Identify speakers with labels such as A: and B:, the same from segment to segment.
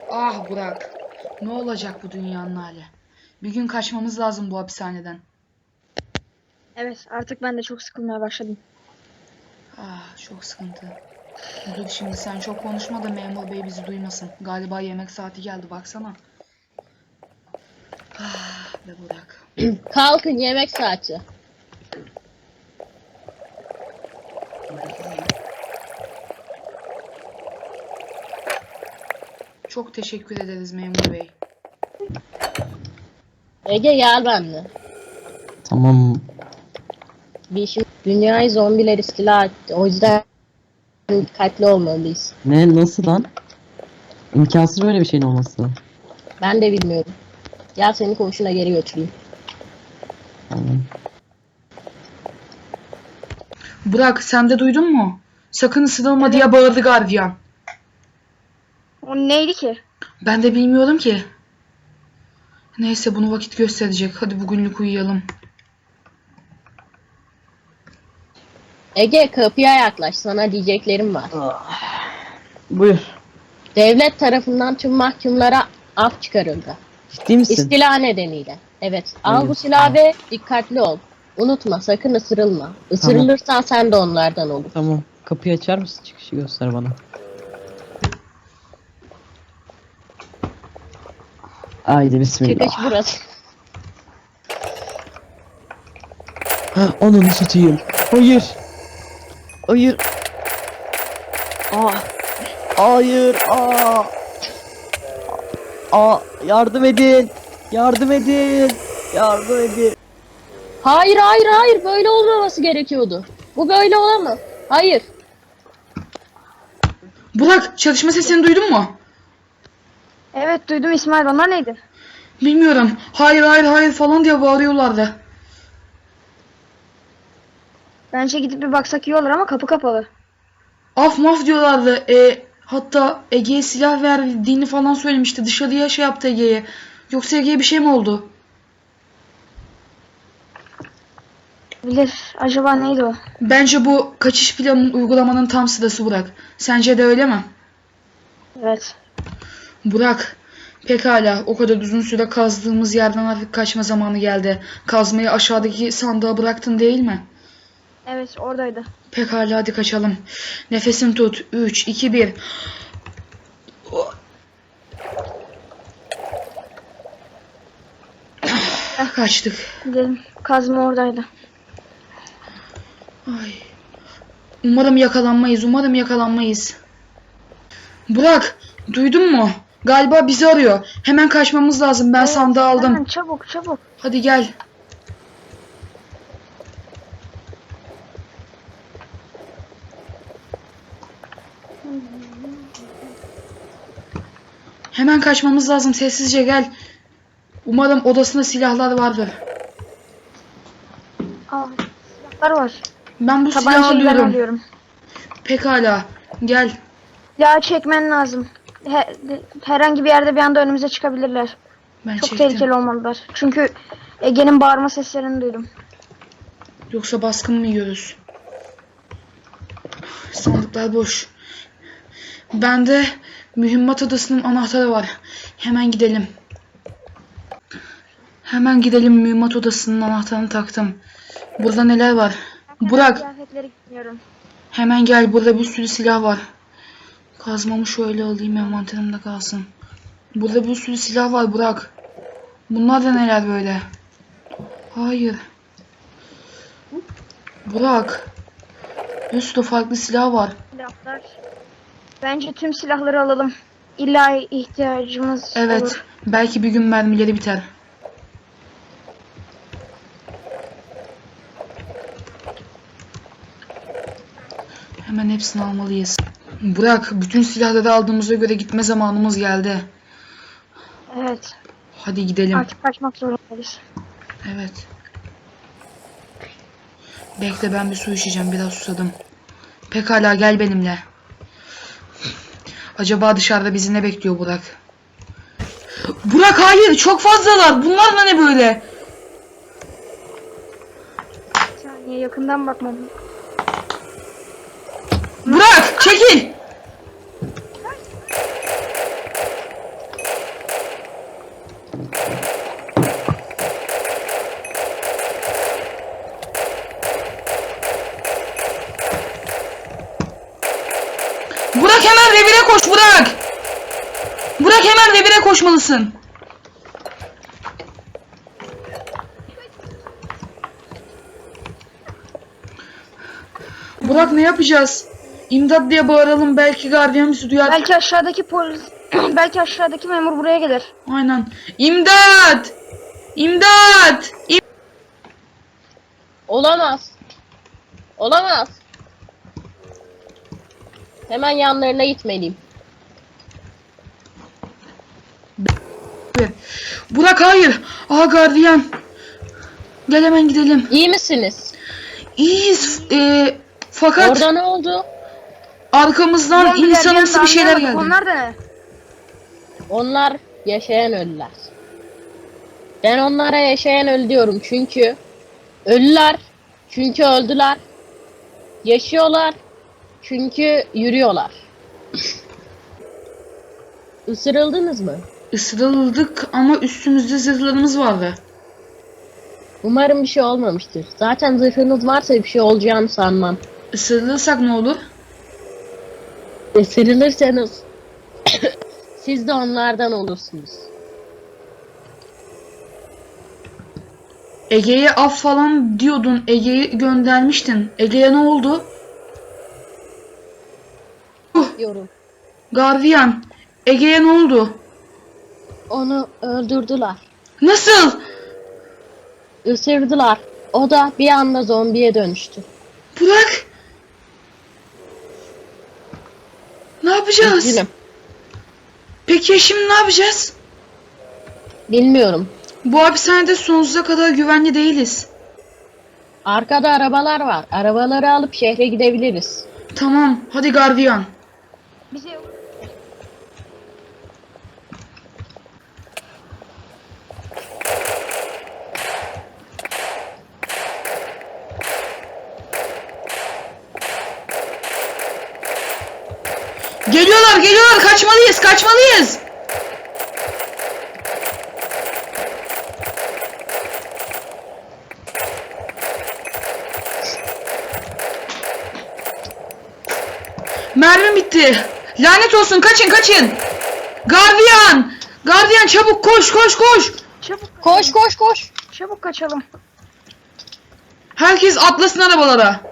A: Ah Burak. Ne olacak bu dünyanın hali? Bir gün kaçmamız lazım bu hapishaneden.
B: Evet, artık ben de çok sıkılmaya başladım.
A: Ah çok sıkıntı. Dur şimdi sen çok konuşma da memur bey bizi duymasın. Galiba yemek saati geldi baksana. Ah be Burak.
C: Kalkın, yemek saati.
A: Çok teşekkür ederiz memur bey.
C: Ege gel benimle.
D: Tamam.
C: Şimdi dünyayı zombiler istila etti. O yüzden dikkatli olmalıyız.
D: Ne, nasıl lan? İmkansız böyle bir şeyin olması.
C: Ben de bilmiyorum. Gel seni koğuşuna geri götüreyim.
D: Tamam.
A: Burak sen de duydun mu? Sakın ısırılma diye bağırdı gardiyan.
B: O neydi ki?
A: Ben de bilmiyorum ki. Neyse bunu vakit gösterecek. Hadi bugünlük uyuyalım.
C: Ege kapıya yaklaş. Sana diyeceklerim var.
D: Buyur.
C: Devlet tarafından tüm mahkumlara af çıkarıldı.
D: Ciddi misin?
C: İstila nedeniyle. Evet. Al
D: Hayır.
C: bu silahı ve dikkatli ol. Unutma sakın ısırılma. Isırılırsan sen de onlardan olur.
D: Tamam. Kapıyı açar mısın? Çıkışı göster bana. Haydi bismillah.
C: Çıkış burası.
D: Ha, ananı satayım. Hayır. Hayır. Aa. Hayır. Aa. Aa, yardım edin. Yardım edin. Yardım edin.
C: Hayır hayır hayır böyle olmaması gerekiyordu. Bu böyle olamaz. Hayır.
A: Burak çalışma sesini duydun mu?
B: Evet, duydum İsmail. Onlar neydi?
A: Bilmiyorum. Hayır hayır hayır falan diye bağırıyorlardı.
B: Bence gidip bir baksak iyi olur ama kapı kapalı.
A: Af maf diyorlardı. Hatta Ege'ye silah verdiğini falan söylemişti. Dışarıya şey yaptı Ege'ye. Yoksa Ege'ye bir şey mi oldu?
B: Bilir. Acaba neydi o?
A: Bence bu kaçış planının uygulamanın tam sırası Burak. Sence de öyle mi?
B: Evet.
A: Burak, pekala o kadar uzun süre kazdığımız yerden artık kaçma zamanı geldi. Kazmayı aşağıdaki sandığa bıraktın değil mi?
B: Evet, oradaydı.
A: Pekala hadi kaçalım. Nefesini tut. 3, 2, 1. Kaçtık.
B: Gidelim. Kazma oradaydı.
A: Ay. Umarım yakalanmayız. Umarım yakalanmayız. Burak, duydun mu? Galiba bizi arıyor. Hemen kaçmamız lazım. Ben
B: Evet,
A: sandığı aldım.
B: hemen çabuk çabuk.
A: Hadi gel. Hemen kaçmamız lazım. Sessizce gel. Umarım odasında silahlar vardır.
B: Aa, silahlar var.
A: Ben bu silahı
B: Tabancayı ben
A: alıyorum.
B: alıyorum.
A: Pekala. Gel.
B: Ya çekmen lazım. Herhangi bir yerde bir anda önümüze çıkabilirler.
A: Ben
B: Çok
A: çektim.
B: tehlikeli olmalılar. Çünkü Ege'nin bağırma seslerini duydum.
A: Yoksa baskın mı yiyoruz? Sandıklar boş. Bende mühimmat odasının anahtarı var. Hemen gidelim. Hemen gidelim, mühimmat odasının anahtarını taktım. Burada neler var? Burak,
B: Kıyafetleri giymiyorum.
A: hemen gel. Burada bir sürü silah var. Kazmamı şöyle alayım, envanterimde kalsın. Burada bir sürü silah var Burak. Bunlar da neler böyle? Hayır. Burak. Bir sürü farklı silah var.
B: Silahlar. Bence tüm silahları alalım. İlla ihtiyacımız
A: Evet.
B: olur.
A: Belki bir gün mermileri biter. Hemen hepsini almalıyız. Burak, bütün silahları aldığımıza göre gitme zamanımız geldi.
B: Evet.
A: Hadi gidelim.
B: Artık kaçmak zorundayız.
A: Evet. Bekle, ben bir su içeceğim. Biraz susadım. Pekala, gel benimle. Acaba dışarıda bizi ne bekliyor Burak? Burak hayır, çok fazlalar. Bunlar da ne böyle?
B: Bir saniye, yakından bakmam.
A: Burak çekil. koş Burak. Burak hemen revire koşmalısın. Burak ne yapacağız? İmdat diye bağıralım, belki gardiyan bizi duyar.
B: Belki aşağıdaki polis, belki aşağıdaki memur buraya gelir.
A: Aynen. İmdat! İmdat!
C: Olamaz. Olamaz. Hemen yanlarına gitmeliyim.
A: Burak hayır. Aa gardiyan. Gel hemen gidelim.
C: İyi misiniz?
A: İyiyiz. Fakat
C: Orada ne oldu?
A: arkamızdan
B: Zombiler
A: insanımsı
B: yanında,
A: bir şeyler
B: anlayamadık.
A: geldi.
B: Onlar da ne?
C: Onlar yaşayan ölüler. Ben onlara yaşayan ölü diyorum çünkü ölüler çünkü öldüler. Yaşıyorlar çünkü yürüyorlar. Isırıldınız mı?
A: Isırıldık ama üstümüzde zırhlarımız vardı.
C: Umarım bir şey olmamıştır. Zaten zırhınız varsa bir şey olacağını sanmam.
A: Isırılırsak ne olur?
C: Isırılırsanız siz de onlardan olursunuz.
A: Ege'ye af falan diyordun. Ege'yi göndermiştin. Ege'ye ne oldu?
C: Yorum.
A: Gardiyan. Ege'ye ne oldu?
C: Onu öldürdüler.
A: Nasıl?
C: Isırdılar. O da bir anda zombiye dönüştü.
A: Burak. Ne yapacağız?
C: Üzgünüm.
A: Peki ya şimdi ne yapacağız?
C: Bilmiyorum.
A: Bu hapishanede sonsuza kadar güvenli değiliz.
C: Arkada arabalar var. Arabaları alıp şehre gidebiliriz.
A: Tamam, hadi gardiyan.
B: Bize
A: Geliyorlar, geliyorlar. Kaçmalıyız, kaçmalıyız. Mermim bitti. Lanet olsun, kaçın, kaçın. Gardiyan! Gardiyan çabuk koş, koş, koş.
B: çabuk,
C: Koş koş koş.
B: çabuk kaçalım.
A: Herkes atlasın arabalara.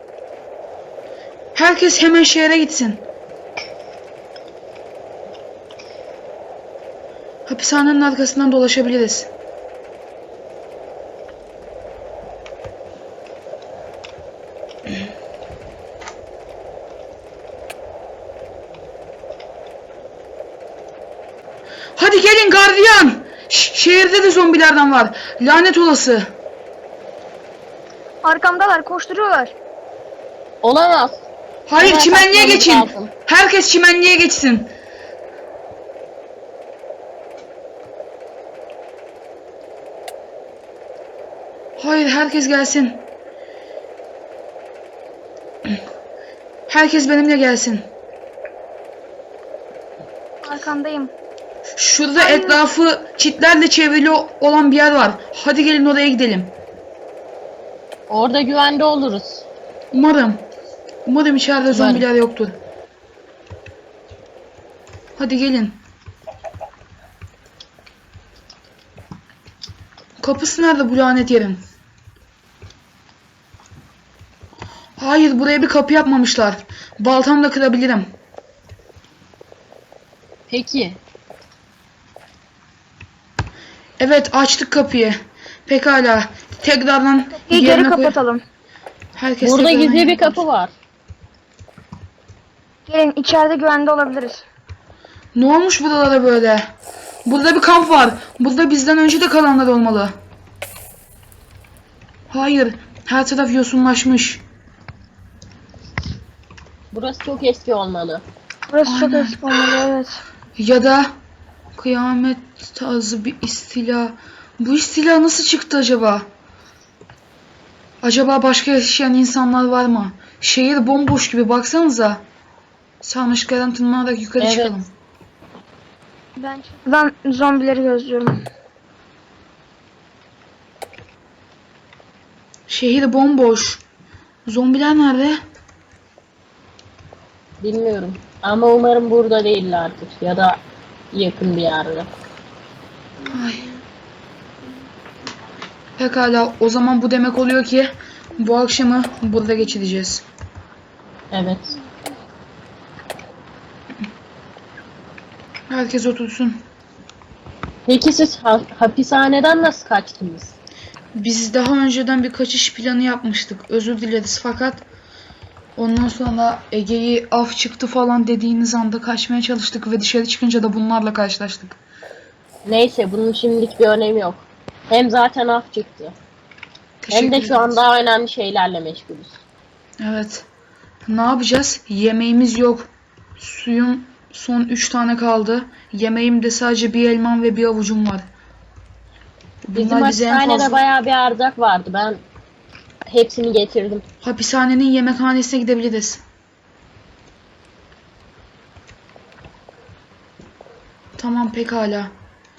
A: Herkes hemen şehre gitsin. Hapishanenin arkasından dolaşabiliriz. Hadi gelin gardiyan. Şehirde de zombilerden var. Lanet olası.
B: Arkamdalar, koşturuyorlar.
C: Olamaz.
A: Hayır,
C: Hemen
A: çimenliğe
C: kaçmamız
A: geçin.
C: lazım.
A: Herkes çimenliğe geçsin. Hayır, herkes gelsin. Herkes benimle gelsin.
B: Arkandayım.
A: Şurada etrafı çitlerle çevrili olan bir yer var. Hadi gelin oraya gidelim.
C: Orada güvende oluruz.
A: Umarım. Umarım içeride zombiler yoktur. Hadi gelin. Kapısı nerede bu lanet yerin? Hayır, buraya bir kapı yapmamışlar. Baltamla kırabilirim.
C: Peki.
A: Evet, açtık kapıyı. Pekala. Tekrardan
B: İyi, geri
A: yerine koy.
B: kapatalım.
A: Herkes
C: Burada
A: tekrardan
C: gizli
A: yerine
C: bir kapı var.
B: Gelin, içeride güvende olabiliriz.
A: Ne olmuş buralara böyle? Burada bir kamp var. Burada bizden önce de kalanlar olmalı. Hayır. Her taraf yosunlaşmış.
C: Burası çok eski olmalı.
B: Burası çok
A: Aynen.
B: eski olmalı, evet.
A: Ya da kıyamet tarzı bir istila. Bu istila nasıl çıktı acaba? Acaba başka yaşayan insanlar var mı? Şehir bomboş gibi, baksanıza. Sarmaşıklardan tırmanarak yukarı
C: Evet.
A: çıkalım.
B: Ben zombileri gözlüyorum.
A: Şehir bomboş. Zombiler nerede?
C: Bilmiyorum. Ama umarım burada değillerdir ya da yakın bir yerde.
A: Ay. Pekala, o zaman bu demek oluyor ki bu akşamı burada geçireceğiz.
C: Evet.
A: Herkes otursun.
C: Peki siz hapishaneden nasıl kaçtınız?
A: Biz daha önceden bir kaçış planı yapmıştık. Özür dileriz fakat ondan sonra Ege'yi af çıktı falan dediğiniz anda kaçmaya çalıştık ve dışarı çıkınca da bunlarla karşılaştık.
C: Neyse bunun şimdilik bir önemi yok. Hem zaten af çıktı. Hem de şu an
A: ederiz.
C: daha önemli şeylerle meşgulüz.
A: Evet. Ne yapacağız? Yemeğimiz yok. Suyum son 3 tane kaldı. Yemeğim de sadece bir elmam ve bir avucum var.
C: Bizim
A: Bunlar bize en
C: hapishanede
A: fazla...
C: bayağı bir erzak vardı. Ben hepsini getirdim.
A: Hapishanenin yemekhanesine gidebiliriz. Tamam, pekala.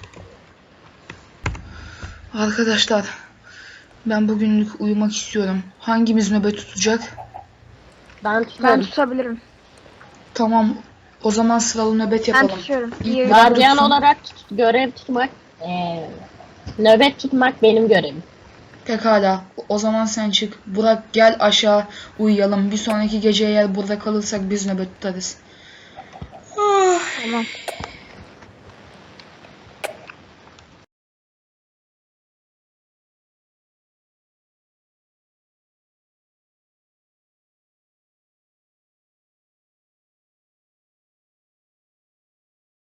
A: Arkadaşlar, ben bugünlük uyumak istiyorum. Hangimiz nöbet tutacak?
C: Ben
B: Ben
C: tutarım.
B: tutabilirim.
A: Tamam, o zaman sıralı nöbet
B: Ben
A: yapalım.
B: tutuyorum.
A: İlk
B: İyi.
A: ben
C: Gardiyan
A: tutsun.
C: olarak görev tutmak, nöbet tutmak benim görevim.
A: Pekala, o zaman sen çık. Burak, gel aşağı uyuyalım. Bir sonraki gece eğer burada kalırsak biz nöbet tutarız.
B: Tamam.